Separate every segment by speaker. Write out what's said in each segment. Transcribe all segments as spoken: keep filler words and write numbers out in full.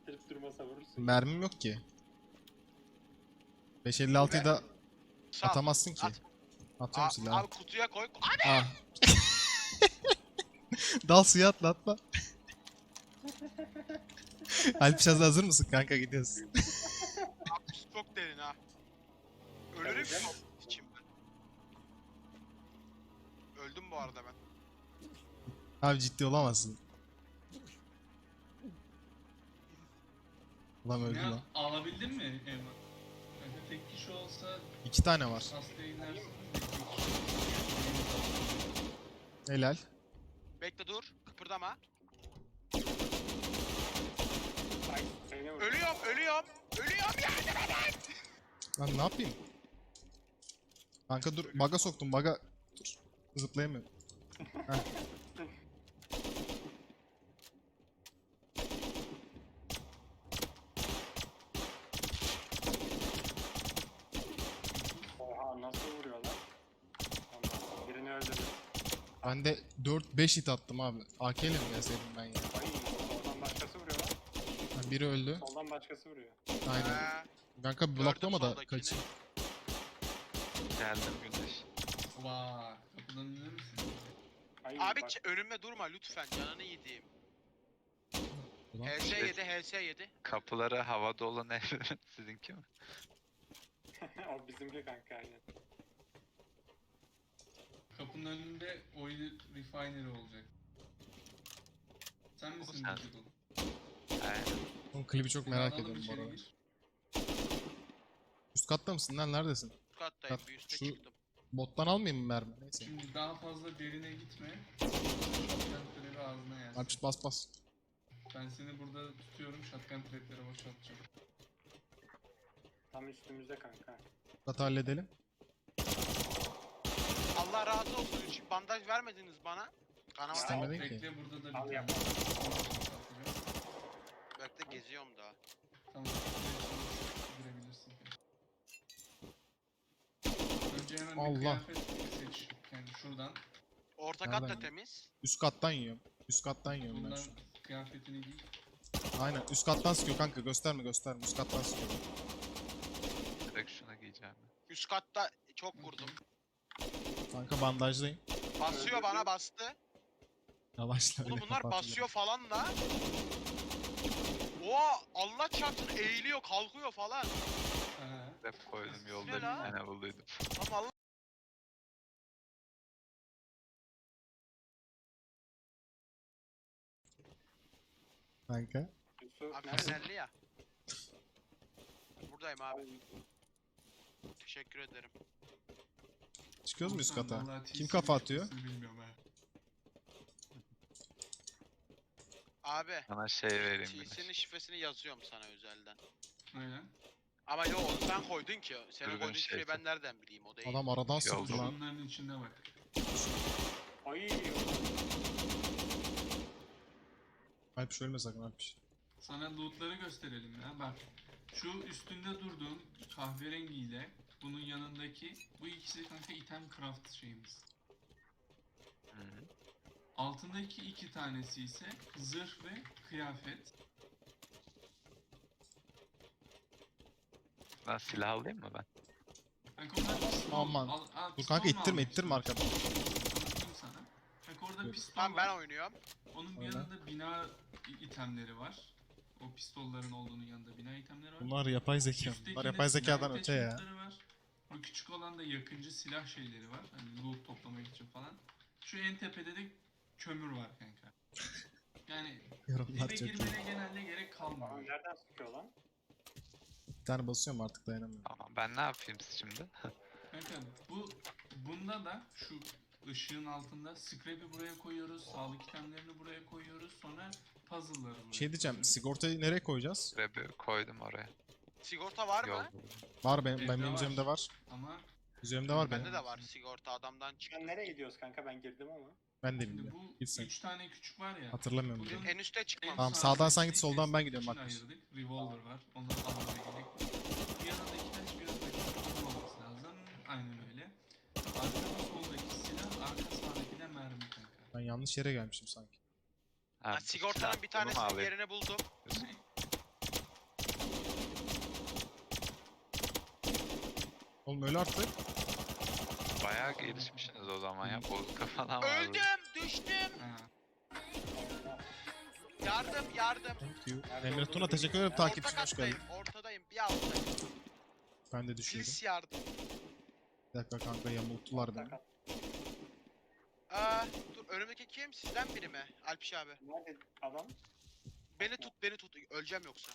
Speaker 1: ittirip durmasa vurursun.
Speaker 2: Mermim yok ki. beş elli altıyı da
Speaker 3: Sal.
Speaker 2: atamazsın ki.
Speaker 3: At.
Speaker 2: Atıyorum
Speaker 3: Aa,
Speaker 2: silahı.
Speaker 3: abi kutuya koy. Abi!
Speaker 2: Ah. Dal suya atla atla. Alpişaz hazır mısın kanka, gidiyoruz.
Speaker 3: Abi çok derin ha. Ölürüm
Speaker 1: Tabii canım.
Speaker 3: içim ben. Öldüm bu arada ben.
Speaker 2: Abi ciddi olamazsın. Ulan öldü
Speaker 4: Ne
Speaker 2: lan.
Speaker 4: alabildin mi Eyvah? Kanka tek kişi olsa
Speaker 2: İki tane var.
Speaker 4: hastaya inersin.
Speaker 2: Helal.
Speaker 3: Bekle dur. Kıpırdama.
Speaker 1: Ay seni vur.
Speaker 3: Ölüyorum, ölüyorum. Ölüyorum yardım edin.
Speaker 2: Lan ne yapayım? Kanka dur, baga soktum, baga. Dur. Zıplayamıyorum. Heh.
Speaker 1: Oha nasıl vuruyor lan? Tamam. Birini öldürdüm.
Speaker 2: Ben de dört beş hit attım abi. A K ile mi gelseydim ben ya?
Speaker 1: Ay soldan başkası vuruyor lan.
Speaker 2: Ha, biri öldü.
Speaker 1: Soldan başkası vuruyor.
Speaker 2: Aynen.
Speaker 3: Ha,
Speaker 2: Kanka
Speaker 3: gördüm
Speaker 2: bloklama da
Speaker 3: soldakini.
Speaker 2: kaçayım.
Speaker 5: Geldim Güneş.
Speaker 4: Vaa kapıdan iner misin?
Speaker 1: Ay,
Speaker 3: Abi
Speaker 1: bak,
Speaker 3: ç- önüme durma lütfen. Canını yediğim.
Speaker 2: Ulan.
Speaker 3: H S yedi, H S yedi.
Speaker 5: Kapıları havada olan ev sizinki mi?
Speaker 1: o bizimki kanka aynen.
Speaker 4: Kapının önünde oil refinery olacak. Sen misin
Speaker 5: sen.
Speaker 4: Digital?
Speaker 5: Aynen.
Speaker 2: Oğlum klibi çok
Speaker 4: Seni
Speaker 2: merak
Speaker 4: alalım
Speaker 2: ediyorum bu
Speaker 4: içeri
Speaker 2: arada.
Speaker 4: gir.
Speaker 2: Üst katta mısın lan, neredesin?
Speaker 3: Üst kattayım,
Speaker 2: Kat-
Speaker 3: bir üste
Speaker 2: şu-
Speaker 3: çıktım.
Speaker 2: Bottan almayayım mı mermi? Neyse.
Speaker 4: Şimdi daha fazla derine gitme. Shotgun trap'i ağzına yersin.
Speaker 2: Alpişt bas bas.
Speaker 4: Ben seni burada tutuyorum. Shotgun trap'lere boşaltacağım.
Speaker 1: Tam üstümüzde kanka.
Speaker 2: Katı halledelim.
Speaker 3: Allah razı olsun. Hiç bandaj vermediniz bana. Kanama
Speaker 2: İstemedin ki.
Speaker 4: Bekle burada da bir
Speaker 1: Al
Speaker 4: tane.
Speaker 1: yap.
Speaker 3: bekle geziyorum daha.
Speaker 4: Tamam. Girebilirsin. Önce hemen
Speaker 2: Allah.
Speaker 4: bir kıyafet seç. Yani şuradan.
Speaker 3: Orta
Speaker 2: Nereden
Speaker 3: kat da
Speaker 2: gidiyor?
Speaker 3: temiz.
Speaker 2: Üst kattan yiyorum. Üst kattan yiyorum ben
Speaker 4: Bundan
Speaker 2: şu.
Speaker 4: kıyafetini giy.
Speaker 2: Aynen üst kattan sıkıyor kanka, gösterme gösterme, üst kattan sıkıyor.
Speaker 5: Direkt şuna giyeceğim.
Speaker 3: Üst katta çok vurdum.
Speaker 2: Kanka bandajdayım.
Speaker 3: Basıyor bana bastı.
Speaker 2: Yavaşla
Speaker 3: Oğlum
Speaker 2: öyle
Speaker 3: bunlar
Speaker 2: kapat.
Speaker 3: basıyor falan da. Oha Allah çarpsın eğiliyor kalkıyor falan.
Speaker 4: Aha.
Speaker 5: Hep koydum
Speaker 3: Ne
Speaker 5: yolda bir
Speaker 3: lan?
Speaker 5: tane bulduydum.
Speaker 3: Ama Allah.
Speaker 2: Kanka.
Speaker 1: Yusuf
Speaker 3: Abi
Speaker 1: nerede?
Speaker 3: fenerli ya. Buradayım abi. Teşekkür ederim.
Speaker 2: Çıkıyoruz mu üst
Speaker 4: Olsan
Speaker 2: kata?
Speaker 4: vallahi
Speaker 2: Kim
Speaker 4: T
Speaker 2: kafa
Speaker 4: C'nin
Speaker 2: atıyor?
Speaker 4: şifresini Bilmiyorum ha.
Speaker 3: Abi.
Speaker 5: Sana şey vereyim
Speaker 3: T'sinin
Speaker 5: Güneş.
Speaker 3: şifresini yazıyorum sana özelden.
Speaker 4: Aynen.
Speaker 3: Ama yo onu sen koydun ki. Senin
Speaker 5: Düzgün
Speaker 3: koyduğun
Speaker 5: şey
Speaker 3: şifreyi
Speaker 5: yap.
Speaker 3: ben nereden bileyim o değil.
Speaker 2: Adam aradan
Speaker 5: Şey oldu
Speaker 2: sıktı lan.
Speaker 4: Bunların içinde bak.
Speaker 1: Ay
Speaker 2: Alpiş ölme sakın Alpiş.
Speaker 4: Sana lootları gösterelim ya. Bak. Şu üstünde durduğun kahverengiyle bunun yanındaki bu ikisi kanka item craft şeyimiz.
Speaker 5: Hı hı.
Speaker 4: Altındaki iki tanesi ise zırh ve kıyafet.
Speaker 5: Ben silah alayım mı ben?
Speaker 4: Kanka onlar pistol.
Speaker 2: Aman.
Speaker 4: Al, al,
Speaker 2: Dur
Speaker 4: pistol
Speaker 2: kanka
Speaker 4: mu
Speaker 2: ittirme
Speaker 4: almak
Speaker 2: ittirme arkadan.
Speaker 4: istiyorsun? Anlatayım sana. Kanka orada
Speaker 2: Dur.
Speaker 4: pistol
Speaker 3: Tamam
Speaker 4: var.
Speaker 3: ben oynuyorum.
Speaker 4: Onun bir
Speaker 2: Öyle.
Speaker 4: yanında bina i- itemleri var. O pistolların olduğunun yanında bina itemleri var.
Speaker 2: Bunlar yapay zeka.
Speaker 4: Üsttekinde
Speaker 2: Bunlar yapay
Speaker 4: silah
Speaker 2: zekadan öte ya.
Speaker 4: attachment'ları var. Bu küçük olan da yakıncı silah şeyleri var. Hani loot toplamak için falan. Şu en tepede de kömür var kanka. Yani
Speaker 2: Yorumlar
Speaker 4: dibe
Speaker 2: çok iyi.
Speaker 4: girmene genelde gerek
Speaker 1: Aa,
Speaker 4: kalmıyor.
Speaker 1: nereden sıkıyor lan?
Speaker 2: Bir tane basıyorum artık, dayanamıyorum.
Speaker 5: Tamam ben ne yapayım şimdi?
Speaker 4: Kanka bu bunda da şu ışığın altında scrap'i buraya koyuyoruz, sağlık itemlerini buraya koyuyoruz, sonra puzzle'ları buraya
Speaker 2: Bir şey diyeceğim,
Speaker 4: koyuyoruz.
Speaker 2: sigortayı nereye koyacağız?
Speaker 5: Rebi koydum oraya.
Speaker 3: Sigorta var
Speaker 5: Yol
Speaker 3: mı?
Speaker 5: buldum.
Speaker 2: Var benim,
Speaker 4: Evde
Speaker 2: ben benim
Speaker 4: var.
Speaker 2: üzerimde var.
Speaker 4: Ama
Speaker 2: Üzerimde var benim.
Speaker 3: Bende de var sigorta adamdan çıktı.
Speaker 1: Ben nereye gidiyoruz kanka, ben girdim ama.
Speaker 2: Ben de
Speaker 4: şimdi
Speaker 2: bilmiyorum.
Speaker 4: bu
Speaker 2: Git sen.
Speaker 4: üç tane küçük var ya.
Speaker 2: Hatırlamıyorum bile.
Speaker 4: Bunun
Speaker 3: En üste
Speaker 4: en
Speaker 3: çıkmam.
Speaker 2: Tamam,
Speaker 4: sağdaki
Speaker 2: sağdan sen git,
Speaker 4: tek
Speaker 2: soldan ben
Speaker 4: destek
Speaker 2: gidiyorum,
Speaker 4: için
Speaker 2: Alpiş.
Speaker 4: ayırdık. Revolver var. Onları almaya gerek yok. Bir yanındaki taş bir yanındaki taş olması lazım. Aynen öyle. Arka soldaki silah, arka sağdaki de mermi kanka.
Speaker 2: Ben yanlış yere gelmişim sanki.
Speaker 5: Ha,
Speaker 3: Ha, sigortanın bir
Speaker 5: bunu mu
Speaker 3: tanesinin
Speaker 5: alayım?
Speaker 3: yerini buldum.
Speaker 2: Oğlum öyle artık.
Speaker 5: Bayağı gelişmişsiniz o zaman ya. Bozuk falan var.
Speaker 3: Öldüm, düştüm.
Speaker 4: Ha.
Speaker 3: Yardım, yardım.
Speaker 2: Thank you.
Speaker 1: Nerede
Speaker 2: Emre
Speaker 1: olduğunu
Speaker 2: Tuna teşekkür ederim
Speaker 1: bilmiyorum.
Speaker 2: takipçin
Speaker 3: Orta
Speaker 2: hoş geldin.
Speaker 3: kattayım, ortadayım, bir alttayım.
Speaker 2: Ben de düşüyordum.
Speaker 3: Pils yardım.
Speaker 2: Bir dakika kanka yamulttular beni.
Speaker 1: Sakat.
Speaker 3: Aa, dur önümdeki kim? Sizden biri mi? Alpiş abi.
Speaker 1: Nerede adam?
Speaker 3: Beni tut, beni tut. Öleceğim yoksa.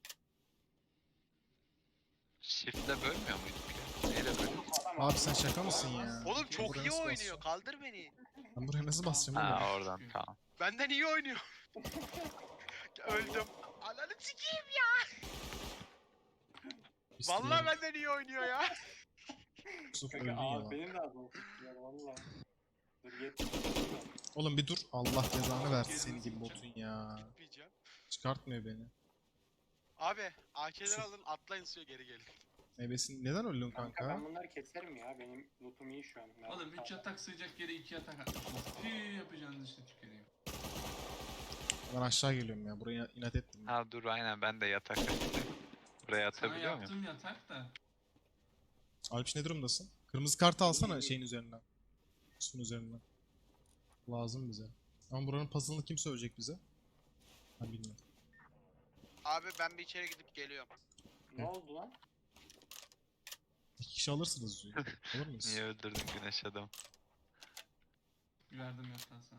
Speaker 5: Shift'le bölmüyor muyduk ya? Neyle bölüyoruz?
Speaker 1: Adam
Speaker 2: Abi sen şaka mısın ya?
Speaker 3: Oğlum çok
Speaker 2: Buraya
Speaker 3: iyi
Speaker 2: nasıl
Speaker 3: oynuyor.
Speaker 2: basacağım?
Speaker 3: Kaldır beni.
Speaker 2: Ben buraya nasıl basacağım oğlum?
Speaker 5: Ha oradan tamam.
Speaker 3: Benden iyi oynuyor. Öldüm. Ananı sikeyim ya.
Speaker 2: İstiyorum.
Speaker 3: Vallahi benden iyi oynuyor ya.
Speaker 2: Yusuf
Speaker 1: Kanka
Speaker 2: öldün ya
Speaker 1: abi
Speaker 2: lan.
Speaker 1: benim de adım ya valla. Dur yet.
Speaker 2: Oğlum bir dur. Allah cezanı versin
Speaker 4: Gezini
Speaker 2: senin gibi
Speaker 4: sikeceğim.
Speaker 2: botun ya.
Speaker 3: Gitmeyeceğim.
Speaker 2: Çıkartmıyor beni.
Speaker 3: Abi A K'leri alın atlayın suya geri gelin.
Speaker 2: Ebesin neden öldün
Speaker 1: Kanka
Speaker 2: kanka?
Speaker 1: ben bunları keserim ya. Benim lootum iyi şu an. Nerede
Speaker 4: Oğlum üç
Speaker 1: kaldı?
Speaker 4: yatak sığacak yere iki yatak atmışsınız. Pii yapacağınız işte tüküreyim.
Speaker 2: Ben aşağı geliyorum ya. Buraya inat ettim.
Speaker 5: Ha dur aynen ben de yatak açtım. Buraya
Speaker 4: Sana
Speaker 5: atabiliyor muyum?
Speaker 4: yaptığım yatak da.
Speaker 2: Alpiş ne durumdasın? Kırmızı kartı alsana şeyin üzerinden. Üstün üzerinden. Lazım bize. Ama buranın puzzle'ını kim söyleyecek bize? Ben bilmiyorum.
Speaker 3: Abi ben bir içeri gidip geliyorum.
Speaker 1: Ne oldu lan?
Speaker 2: İki kişi alırsınız suyu. Olur muyuz?
Speaker 5: Niye öldürdün güneş adam?
Speaker 4: Verdim yatağı sana.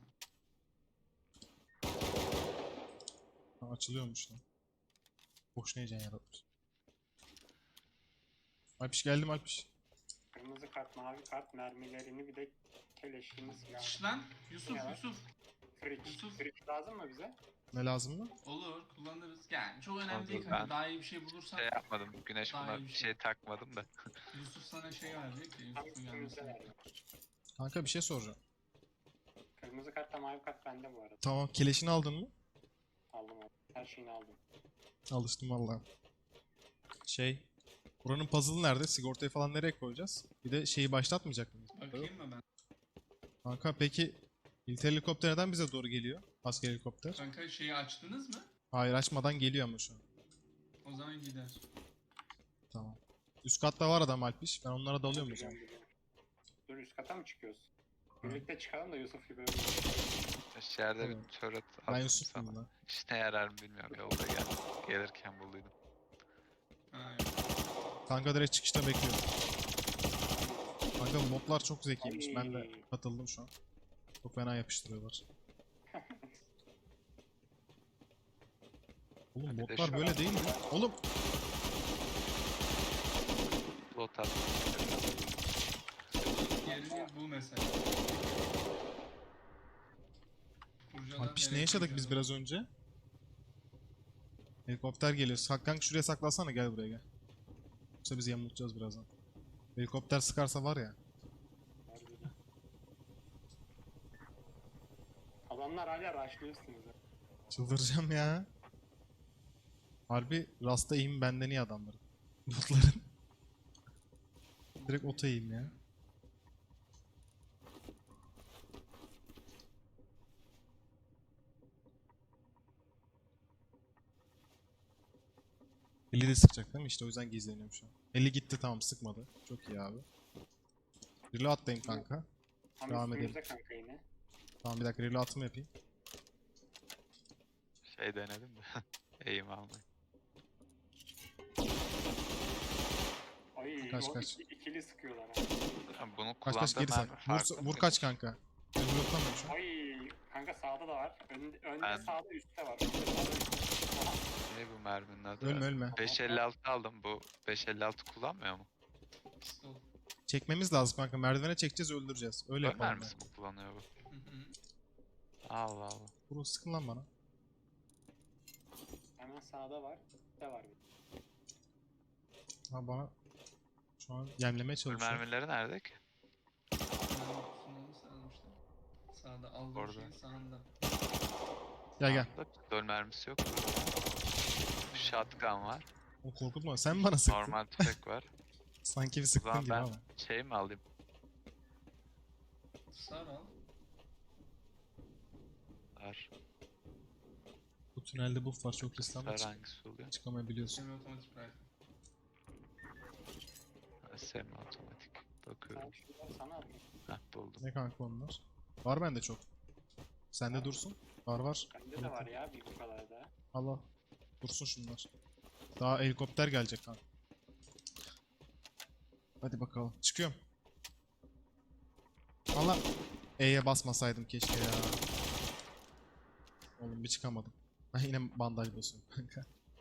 Speaker 2: Ha, açılıyormuş lan. Boşuna heyecan yaratmış. Alpiş geldim Alpiş.
Speaker 1: Kırmızı kart, mavi kart, mermilerini bir de keleşini silah.
Speaker 4: Şş lan Yusuf
Speaker 1: Ya.
Speaker 4: Yusuf.
Speaker 1: Fridge.
Speaker 4: Yusuf.
Speaker 1: Fridge lazım mı bize?
Speaker 2: Ne lazım mı?
Speaker 4: Olur kullanırız. Yani çok önemli
Speaker 5: Olur,
Speaker 4: değil kanka.
Speaker 5: ben-
Speaker 4: Daha iyi bir şey bulursan
Speaker 5: Şey yapmadım. Güneş
Speaker 4: Daha
Speaker 5: buna
Speaker 4: iyi bir
Speaker 5: bir
Speaker 4: şey.
Speaker 5: şey takmadım da.
Speaker 4: Yusuf sana şey verecek de
Speaker 1: Tam
Speaker 4: Yusuf'un
Speaker 1: üstümüzde
Speaker 4: gelmesi.
Speaker 1: nerede?
Speaker 2: Kanka bir şey soracağım.
Speaker 1: Kırmızı kartla mavi kart bende bu arada.
Speaker 2: Tamam keleşini aldın mı?
Speaker 1: Aldım aldım. Her şeyini aldım.
Speaker 2: Alıştım valla. Şey. Buranın puzzle'ı nerede? Sigortayı falan nereye koyacağız? Bir de şeyi başlatmayacak mıyız?
Speaker 4: Bakayım mı ben?
Speaker 2: Kanka peki İlk helikopter neden bize doğru geliyor? Asker helikopter.
Speaker 4: Kanka şeyi açtınız mı?
Speaker 2: Hayır açmadan geliyor ama şu an.
Speaker 4: O zaman gider.
Speaker 2: Tamam. Üst katta var adam Alpiş. Ben onlara dalıyorum o zaman.
Speaker 1: Biliyorum, biliyorum. Dur üst kata mı çıkıyoruz? Birlikte çıkalım da Yusuf gibi öyle.
Speaker 5: İçeride bir
Speaker 2: Tamam.
Speaker 5: turret
Speaker 2: Ben
Speaker 5: attım
Speaker 2: Yusuf
Speaker 5: sana.
Speaker 2: muyum lan?
Speaker 5: İşine yarar mı bilmiyorum. Yolda gel. Gelirken bulduydum.
Speaker 4: Ha yok.
Speaker 2: Kanka direkt çıkışta bekliyorum. Kanka modlar çok zekiymiş. Ben de
Speaker 1: Ay.
Speaker 2: katıldım şu an. Çok fena yapıştırıyorlar. Oğlum
Speaker 5: Bir de
Speaker 2: modlar
Speaker 5: şu
Speaker 2: böyle
Speaker 5: an-
Speaker 2: değil mi? Oğlum
Speaker 5: Lot attım.
Speaker 4: Yerini bu mesela. Kurcalar
Speaker 2: Alpiş ne
Speaker 4: nereye
Speaker 2: yaşadık biz
Speaker 4: kurcalar?
Speaker 2: biraz önce? Helikopter geliyor. Hakan şuraya saklasana gel buraya gel. Yoksa biz yamultacağız birazdan. Helikopter sıkarsa var ya.
Speaker 1: Harbiden. Adamlar hala rushlıyor üstümüze.
Speaker 2: Çıldıracağım ya. Harbi rasta eğim benden iyi adamların. Botların. Direkt ota eğim ya. elli de sıkacak değil mi? İşte o yüzden gizleniyorum şu an. elli gitti tamam sıkmadı. Çok iyi abi. Reload'dayım kanka.
Speaker 1: Tam
Speaker 2: Devam
Speaker 1: üstümüzde kanka yine.
Speaker 2: Tamam bir dakika reload'ımı yapayım.
Speaker 5: Şey denedim de. Eğim almayı.
Speaker 1: Ay
Speaker 2: Kaç,
Speaker 1: o
Speaker 2: kaç.
Speaker 1: iki- ikili sıkıyorlar ha.
Speaker 5: Ha, Bunu
Speaker 2: Kaç kaç
Speaker 5: kullandığım
Speaker 2: geri sak.
Speaker 5: mermi
Speaker 2: Vur,
Speaker 5: farklı
Speaker 2: vur
Speaker 5: mıydı?
Speaker 2: kaç kanka. Ben reload'lamıyorum şu an.
Speaker 1: Ay kanka sağda da var. Önde, önde
Speaker 5: Ben-
Speaker 1: sağda üstte var. Önde sağda üstte. Aha,
Speaker 5: Ne bu merminin adı?
Speaker 2: Ölme ölme.
Speaker 5: beş elli altı aldım. Bu beş elli altı kullanmıyor mu?
Speaker 4: Pistol.
Speaker 2: Çekmemiz lazım kanka. Merdivene çekeceğiz öldüreceğiz. Öyle
Speaker 5: Ön
Speaker 2: yapalım. ben.
Speaker 5: mermisi mi kullanıyor bu?
Speaker 4: Hı hı.
Speaker 5: Allah Allah.
Speaker 2: Vurun sıkın lan bana.
Speaker 1: hemen sağda var. Üstte var bir.
Speaker 2: Ha bana şu an yemlemeye
Speaker 5: Bu
Speaker 2: çalışıyor.
Speaker 5: mermileri nerede ki?
Speaker 4: Mermi kutusunu nasıl almışlar? Sağda aldığım
Speaker 5: Orada.
Speaker 4: şeyin sağında.
Speaker 2: Gel gel.
Speaker 5: Sağda pistol mermisi yok. Shotgun var.
Speaker 2: O korkutma. Sen bana sıktın.
Speaker 5: Normal tüfek var.
Speaker 2: Sanki bir
Speaker 5: O
Speaker 2: sıktın
Speaker 5: zaman
Speaker 2: gibi
Speaker 5: ben
Speaker 2: ama.
Speaker 5: şey mi alayım?
Speaker 4: Sar al.
Speaker 5: Var.
Speaker 2: Bu tünelde buff var. Çok riskli ama
Speaker 5: Sar
Speaker 2: çık-
Speaker 5: hangisi oluyor?
Speaker 2: çıkamayabiliyorsun.
Speaker 4: Semi otomatik rifle.
Speaker 5: Semi otomatik. Bakıyorum.
Speaker 1: Ben şunları sana atayım.
Speaker 5: Heh buldum.
Speaker 2: Ne kanka onlar? Var bende çok. Sende dursun. Var var.
Speaker 1: Bende de var ya bir bu kadar da.
Speaker 2: Allah. Dursun şunlar. Daha helikopter gelecek kanka. Hadi bakalım. Çıkıyorum. Allah. E'ye basmasaydım keşke ya. Oğlum bir çıkamadım. Ben yine bandaj basıyorum kanka.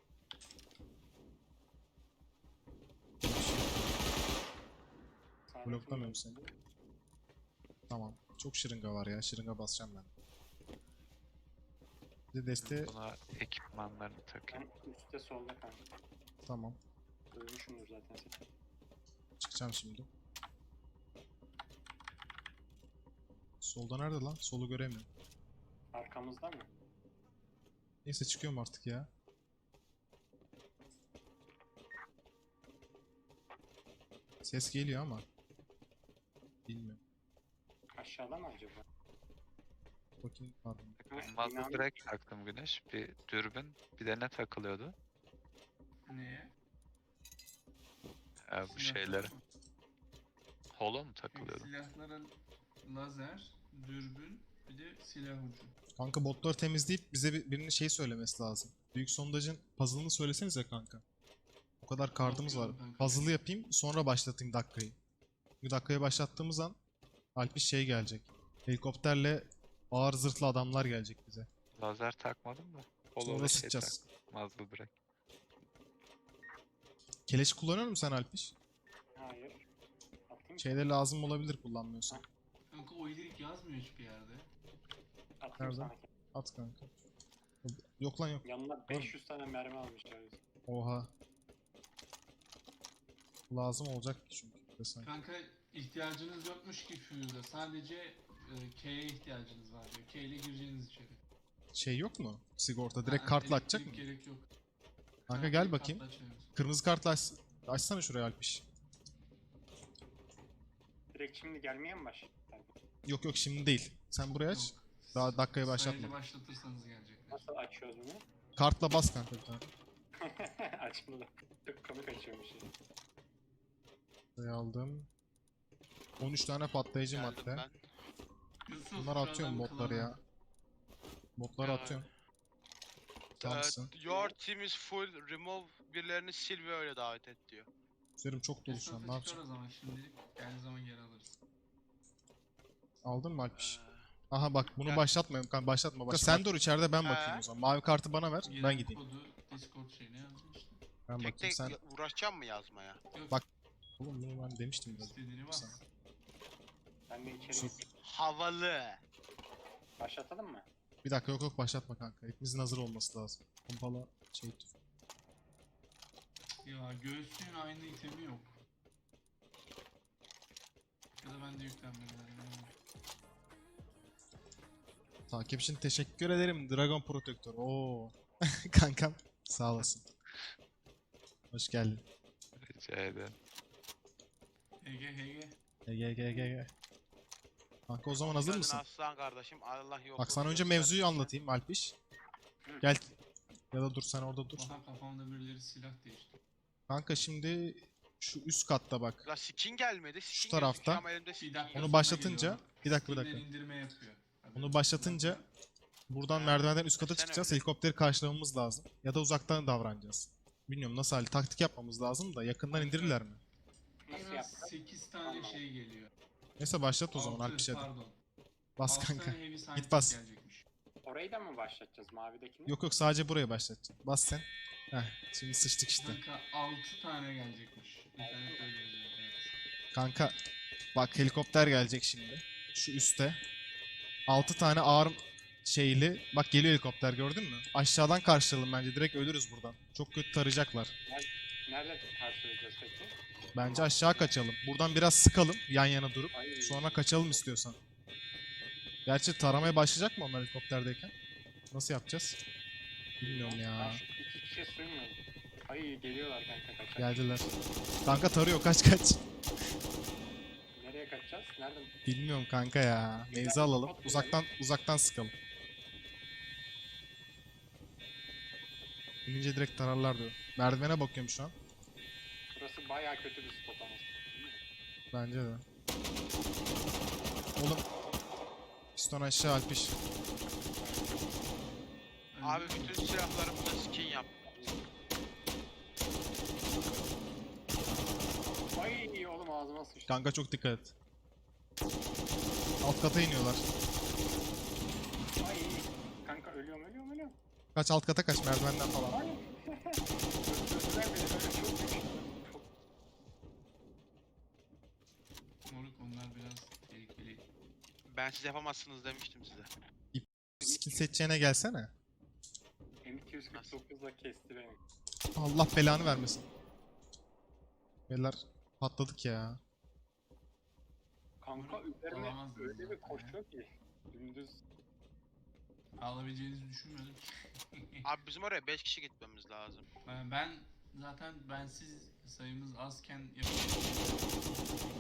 Speaker 1: Sağdaki
Speaker 2: Bloklamıyorum
Speaker 1: mi?
Speaker 2: seni. Tamam. Çok şırınga var ya. Şırınga basacağım ben. Bir de deste...
Speaker 5: Buna ekipmanlarını takayım.
Speaker 1: Ben üstte solda kanka.
Speaker 2: Tamam.
Speaker 1: Duymuşumdur zaten seni.
Speaker 2: Çıkacağım şimdi. Solda nerede lan? Solu göremiyorum.
Speaker 1: Arkamızda mı?
Speaker 2: Neyse çıkıyorum artık ya. Ses geliyor ama. Bilmiyorum.
Speaker 1: Aşağıda mı acaba?
Speaker 2: Bakayım pardon.
Speaker 1: Ha,
Speaker 5: Muzzle
Speaker 1: binanın-
Speaker 5: direkt taktım Güneş. Bir dürbün. Bir de ne takılıyordu?
Speaker 4: Neye?
Speaker 5: Ee, bu
Speaker 4: Silahlara
Speaker 5: şeylere.
Speaker 4: mı?
Speaker 5: Holo mu
Speaker 4: Yok,
Speaker 5: takılıyordu?
Speaker 4: silahlara lazer, dürbün, bir de silah ucu.
Speaker 2: Kanka botları temizleyip bize bir, birinin şey söylemesi lazım. Büyük sondajın puzzle'ını söylesenize kanka. O kadar kartımız var.
Speaker 4: Yapıyorum kanka.
Speaker 2: Puzzle'ı yapayım sonra başlatayım dakikayı. Bir dakikayı başlattığımız an Alpiş şey gelecek. Helikopterle ağır zırhlı adamlar gelecek bize.
Speaker 5: Lazer takmadım da. Holo
Speaker 2: Sonra
Speaker 5: ve şey
Speaker 2: sıkacağız.
Speaker 5: tak. Muzzle direkt.
Speaker 2: Keleş kullanıyor musun sen Alpiş?
Speaker 1: Hayır. Atayım mı?
Speaker 2: Şeyde lazım olabilir kullanmıyorsan.
Speaker 4: Kanka o iyilik yazmıyor hiçbir yerde.
Speaker 1: Atayım
Speaker 2: Nerede?
Speaker 1: sana.
Speaker 2: At kanka. Yok lan yok.
Speaker 1: Yanına beş yüz tane mermi almışlar. biz.
Speaker 2: Oha. Lazım olacak ki çünkü. bir de sanki.
Speaker 4: Kanka ihtiyacınız yokmuş ki Fuse'a. Sadece e, K'ye ihtiyacınız var diyor. K ile gireceğiniz içeri.
Speaker 2: Şey yok mu? Sigorta direkt
Speaker 4: Ha,
Speaker 2: kartla açacak mı?
Speaker 4: elektrik gerek yok.
Speaker 2: Kanka
Speaker 4: Ha,
Speaker 2: gel
Speaker 4: direkt
Speaker 2: bakayım.
Speaker 4: kartla açıyoruz.
Speaker 2: Kırmızı kartla aç, açsana şuraya Alpiş.
Speaker 1: Direkt şimdi gelmeye mi başladı?
Speaker 2: Yok yok şimdi değil. Sen buraya aç.
Speaker 4: Yok.
Speaker 2: Daha dakikayı
Speaker 4: Sayıcı
Speaker 2: başlatma.
Speaker 4: başlatırsanız gelecekler.
Speaker 1: Nasıl açıyoruz bunu?
Speaker 2: Kartla bas kanka bir tane.
Speaker 1: Açıldı. Çok komik açıyormuş. ya.
Speaker 2: Buraya aldım. on üç tane patlayıcı
Speaker 3: Geldim
Speaker 2: madde.
Speaker 3: ben.
Speaker 4: Yusuf,
Speaker 2: Bunları
Speaker 4: şu
Speaker 2: atıyorum
Speaker 4: adam
Speaker 2: botları
Speaker 4: klana.
Speaker 2: ya. Botları
Speaker 3: Ya.
Speaker 2: atıyorum. Tamamsın.
Speaker 3: Ee, your team is full. Remove birilerini sil ve öyle davet et diyor.
Speaker 2: Üzerim çok dolu şu an. Ne
Speaker 4: Yusuf'u çıkar
Speaker 2: yapacağım?
Speaker 4: o zaman şimdilik. Geldiği zaman geri alırız.
Speaker 2: Aldın mı Alpiş?
Speaker 3: Ee,
Speaker 2: Aha bak bunu
Speaker 3: Gel.
Speaker 2: başlatmayalım. Kanka başlatma. Başlatma. Sen dur içeride ben bakayım
Speaker 3: He.
Speaker 2: o zaman. Mavi kartı bana ver. Ben
Speaker 4: Gelen
Speaker 2: gideyim.
Speaker 4: kodu Discord şeyine yazdım işte.
Speaker 2: Ben
Speaker 3: tek
Speaker 2: bakayım
Speaker 3: tek
Speaker 2: sen.
Speaker 3: ya- uğraşacağım mı yazmaya?
Speaker 4: Yok,
Speaker 2: Bak- Oğlum bunu ben demiştim biraz.
Speaker 4: istediğini bas.
Speaker 2: Sen.
Speaker 1: Ben de içeri
Speaker 2: Yusuf.
Speaker 1: gideyim.
Speaker 3: Havalı.
Speaker 1: Başlatalım mı?
Speaker 2: Bir dakika yok yok başlatma kanka. Hepimizin hazır olması lazım. Pompalı şey tut.
Speaker 4: Ya göğsün aynı itemi yok. Ya da bende yüklenmedi.
Speaker 2: Takip için teşekkür ederim Dragon Protector. Oo. Kankam sağ olasın. Hoş geldin.
Speaker 5: Rica ederim.
Speaker 4: H G H G.
Speaker 2: Gel gel gel gel. gel. Kanka o zaman hazır
Speaker 3: Geldin
Speaker 2: mısın?
Speaker 3: Aslan kardeşim. Allah yok.
Speaker 2: Bak sana önce mevzuyu anlatayım Alpiş. Gel. Ya da dur sen orada dur.
Speaker 4: Aha kafamda birileri silah değişti.
Speaker 2: Kanka şimdi şu üst katta bak.
Speaker 3: La skin gelmedi. Skin
Speaker 2: Şu tarafta.
Speaker 3: gözüküyor ama elimde skin
Speaker 4: Bir dakika
Speaker 2: Onu
Speaker 4: sonra
Speaker 2: başlatınca
Speaker 4: geliyor.
Speaker 2: bir dakika bir
Speaker 4: Skinler
Speaker 2: dakika.
Speaker 4: indirme yapıyor. Haberin
Speaker 2: Onu
Speaker 4: olsun.
Speaker 2: başlatınca buradan
Speaker 3: Ha,
Speaker 2: merdivenden üst kata
Speaker 3: desene
Speaker 2: çıkacağız.
Speaker 3: bir de.
Speaker 2: Helikopteri karşılamamız lazım. Ya da uzaktan davranacağız. Bilmiyorum nasıl hali taktik yapmamız lazım da yakından indirirler mi?
Speaker 4: En
Speaker 1: Nasıl
Speaker 4: az
Speaker 1: yaptık?
Speaker 4: sekiz tane
Speaker 1: Anlamadım.
Speaker 4: şey geliyor.
Speaker 2: Neyse başlat o zaman
Speaker 4: Altı,
Speaker 2: Alpiş hadi.
Speaker 4: Pardon.
Speaker 2: Bas
Speaker 4: Altı
Speaker 2: kanka.
Speaker 4: tane heavy
Speaker 2: Git
Speaker 4: scientist
Speaker 2: bas.
Speaker 4: gelecekmiş.
Speaker 1: Orayı da mı başlatacağız mavidekini?
Speaker 2: Yok yok sadece buraya başlatacağım. Bas sen. Heh şimdi sıçtık işte.
Speaker 4: Kanka altı tane gelecekmiş. İnternette öyle yazıyor. Evet.
Speaker 2: Kanka bak helikopter gelecek şimdi. Şu üste. altı tane ağır şeyli. Bak geliyor helikopter gördün mü? Aşağıdan karşılayalım bence. Direkt ölürüz buradan. Çok kötü tarayacaklar.
Speaker 1: Nerede karşılayacağız peki?
Speaker 2: Bence aşağı kaçalım. Buradan biraz sıkalım yan yana durup.
Speaker 1: Ay,
Speaker 2: Sonra kaçalım istiyorsan. Gerçi taramaya başlayacak mı onlar helikopterdeyken? Nasıl yapacağız? Bilmiyorum
Speaker 1: Ben
Speaker 2: ya.
Speaker 1: şu iki kişiye sığmıyorum. Ay geliyorlar kanka kaçak.
Speaker 2: Geldiler. Kanka tarıyor kaç kaç.
Speaker 1: Nereye kaçacağız? Nereden?
Speaker 2: Bilmiyorum kanka ya. Mevzi alalım. Uzaktan uzaktan sıkalım. İnince direkt tararlar diyor. Merdivene bakıyorum şu an.
Speaker 1: Burası bayağı kötü bir spot ama.
Speaker 2: Bence de. Oğlum. Piston aşağı Alpiş.
Speaker 3: Abi bütün silahlarımda skin yap.
Speaker 1: Ay oğlum ağzıma sıçtı.
Speaker 2: Kanka çok dikkat et. Alt kata iniyorlar.
Speaker 1: Ay kanka ölüyorum ölüyorum ölüyorum.
Speaker 2: Kaç alt kata kaç merdivenden falan.
Speaker 1: Ay. Öldürdüler beni öyle çok düştüm. Çok
Speaker 4: Moruk onlar biraz tehlikeli.
Speaker 3: Ben siz yapamazsınız demiştim size.
Speaker 2: Skin seçeceğine gelsene.
Speaker 1: M iki yüz kırk dokuzla kesti beni.
Speaker 2: Allah belanı vermesin. Beyler patladık ya.
Speaker 1: Kanka üzerine
Speaker 4: Olamaz
Speaker 1: öyle bir
Speaker 4: zaten
Speaker 1: koşuyor ki. Dümdüz.
Speaker 4: Alabileceğinizi düşünmüyordum.
Speaker 3: Abi bizim oraya beş kişi gitmemiz lazım.
Speaker 4: Ben, ben zaten bensiz sayımız azken yapıyorum.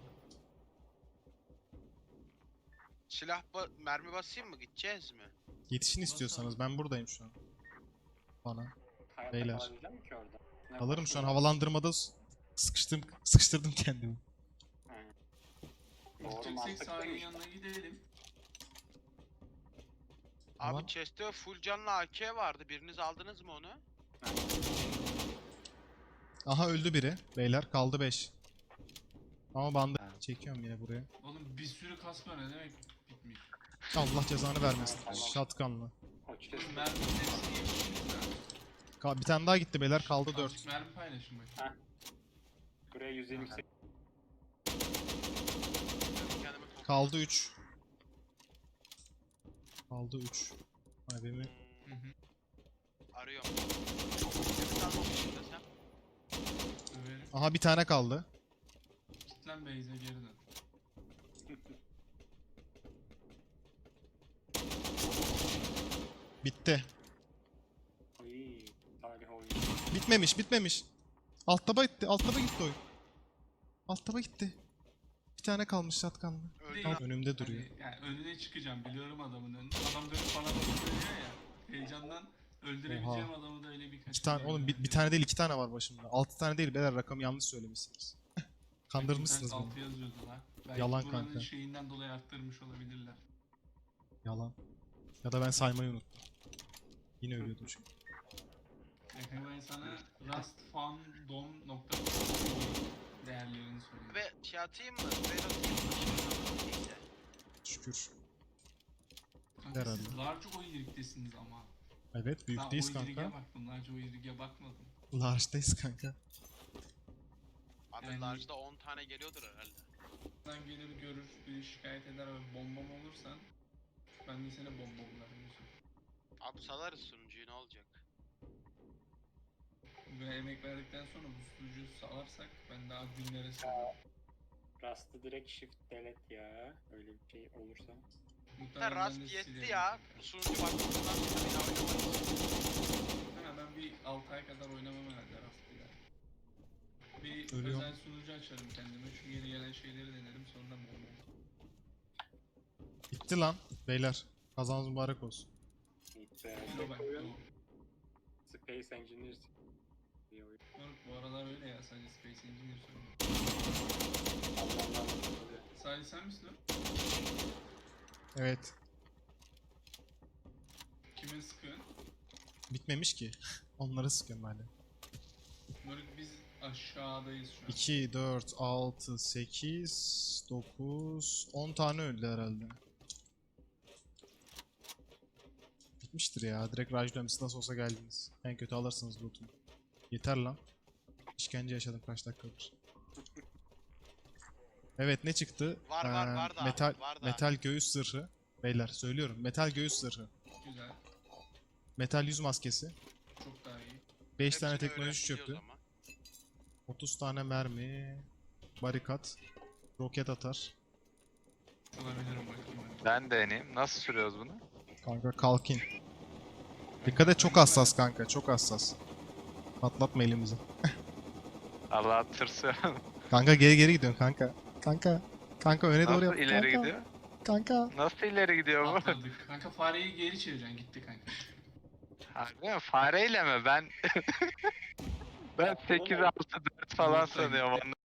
Speaker 3: Silah ba mermi basayım mı? Gideceğiz mi?
Speaker 2: Yetişin istiyorsanız ben buradayım şu an. Bana.
Speaker 1: Hayatta
Speaker 2: Beyler.
Speaker 1: kalabilecek mi ki orada? Ne
Speaker 2: Alırım şu an
Speaker 1: koşuyor?
Speaker 2: havalandırmada s- sıkıştım sıkıştırdım kendimi.
Speaker 1: He. Doğru
Speaker 4: Gideceksek sahilin
Speaker 1: mantıklıymış.
Speaker 4: yanına gidelim.
Speaker 2: Tamam.
Speaker 3: Abi chest'te full canlı A K vardı. Biriniz aldınız mı onu?
Speaker 2: Aha öldü biri. Beyler kaldı beş. Ama bandı çekiyorum yine buraya.
Speaker 4: Oğlum bir sürü kas var ne demek bitmiyor.
Speaker 2: Allah cezanı vermesin.
Speaker 1: Tamam.
Speaker 2: Shotgun'la.
Speaker 1: O chest-
Speaker 4: Mermi hepsini geçtiniz lan.
Speaker 2: Ka- bir tane daha gitti beyler kaldı dört.
Speaker 4: Azıcık mermi paylaşın bakayım.
Speaker 1: Buraya yüz yirmi sekiz.
Speaker 3: Kendime top-
Speaker 2: Kaldı üç. Kaldı üç. Ay benim
Speaker 4: Hı
Speaker 3: Hmm,
Speaker 4: hı.
Speaker 3: arıyorum. Bir tane olmuşsun desem.
Speaker 4: Överim.
Speaker 2: Aha bir tane kaldı.
Speaker 4: Git lan base'e geri dön.
Speaker 2: Bitti.
Speaker 1: Ay, tarih oyunu.
Speaker 2: Bitmemiş bitmemiş. Alt taba gitti. Alt taba gitti oyun. Alt taba gitti. Bir tane kalmış shotgun'la.
Speaker 3: Öldü.
Speaker 2: Tam önümde duruyor.
Speaker 4: Hani, yani önüne çıkacağım biliyorum adamın önüne. Adam dönüp bana bakıyor ya. Heyecandan öldürebileceğim adamı da öyle birkaç
Speaker 2: İki tane
Speaker 4: kere
Speaker 2: oğlum bir, bir
Speaker 4: öldürdüm.
Speaker 2: tane değil iki tane var başımda. Altı tane değil beyler rakamı yanlış söylemişsiniz. Kandırmışsınız
Speaker 4: İnternet
Speaker 2: beni.
Speaker 4: altı yazıyordu lan. Belki
Speaker 2: Yalan
Speaker 4: buranın
Speaker 2: kanka.
Speaker 4: şeyinden dolayı arttırmış olabilirler.
Speaker 2: Yalan. Ya da ben saymayı unuttum. Yine ölüyordum çünkü.
Speaker 4: Bakın ben sana rustfandom nokta değerlerini söyleyeyim.
Speaker 3: Ve şey atayım mı? Raid atayım mı? Neyse.
Speaker 2: Şükür.
Speaker 4: Kanka
Speaker 2: herhalde.
Speaker 4: siz large oyirliktesiniz ama.
Speaker 2: Evet
Speaker 4: Ben
Speaker 2: büyükteyiz
Speaker 4: oyirlige
Speaker 2: kanka.
Speaker 4: baktım, large oyirlige bakmadım.
Speaker 2: Large'dayız kanka.
Speaker 3: Abi
Speaker 4: Yani-
Speaker 3: large'da on tane geliyordur herhalde.
Speaker 4: Sen gelir görür, bir şikayet eder ve bombam olursan ben de seni bombamlarım Yusuf.
Speaker 3: Abi salarız sunucuyu ne olacak?
Speaker 4: Ve emek verdikten sonra bu sunucuyu salarsak ben daha günlere sığarım.
Speaker 1: Rust'ı direkt shift delete ya. Öyle bir şey olursa.
Speaker 3: Ya
Speaker 4: Muhtemelen ben
Speaker 3: Rust
Speaker 4: de
Speaker 3: yetti
Speaker 4: silerim
Speaker 3: ya.
Speaker 4: kanka.
Speaker 3: Bu sunucu bakımından sonra bir daha oynamayız.
Speaker 4: Hemen ben bir altı ay kadar oynamam herhalde Rust'ı. Bir
Speaker 2: Ölüyorum.
Speaker 4: özel sunucu açarım kendime, şu yeni gelen şeyleri denerim sonra bombam.
Speaker 2: Bitti lan beyler. Kazanız mübarek olsun.
Speaker 1: Hiç be.
Speaker 4: Ama
Speaker 1: Tek
Speaker 4: bak
Speaker 1: oyun
Speaker 4: bu,
Speaker 1: Space Engineers bir oyun.
Speaker 4: moruk bu aralar öyle ya, sadece Space Engineer söylüyorum.
Speaker 1: Allah Allah.
Speaker 4: Sadece sen misin o?
Speaker 2: Evet.
Speaker 4: Kime sıkıyorsun?
Speaker 2: Bitmemiş ki. Onları sıkıyorum hala.
Speaker 4: Moruk biz aşağıdayız şu an.
Speaker 2: iki, dört, altı, sekiz, dokuz, on tane öldü herhalde. Bitmiştir ya. Direkt rajlıyorum. Siz nasıl olsa geldiniz. En kötü alırsınız loot'umu. Yeter lan. İşkence yaşadım kaç dakikadır. Evet ne çıktı?
Speaker 3: Var, var, var da,
Speaker 2: metal,
Speaker 3: var da.
Speaker 2: metal göğüs zırhı. Beyler söylüyorum. Metal göğüs zırhı.
Speaker 4: Güzel.
Speaker 2: Metal yüz maskesi.
Speaker 4: Çok daha iyi.
Speaker 2: beş tane
Speaker 3: Hepsini
Speaker 2: teknoloji çöpü.
Speaker 3: öğrenebiliyoruz ama.
Speaker 2: otuz tane mermi. Barikat. Roket atar.
Speaker 4: Olabilirim bakayım. hadi.
Speaker 5: Ben deneyeyim. Nasıl sürüyoruz bunu?
Speaker 2: Kanka kalkin. Dikkat et çok hassas kanka. Çok hassas. Patlatma elimizi.
Speaker 5: Allah tırsıyor.
Speaker 2: Kanka geri geri gidiyorsun kanka. Kanka. Kanka öne doğru
Speaker 5: Nasıl
Speaker 2: yap.
Speaker 5: ileri
Speaker 2: kanka.
Speaker 5: gidiyor?
Speaker 2: Kanka.
Speaker 5: Nasıl ileri gidiyor bu?
Speaker 4: Atladık. Kanka fareyi geri çevireceksin, gitti kanka.
Speaker 5: Harbi mi? Fareyle mi? Ben ben sekiz altı dört falan
Speaker 4: Yumurta
Speaker 5: sanıyorum.
Speaker 4: gitti.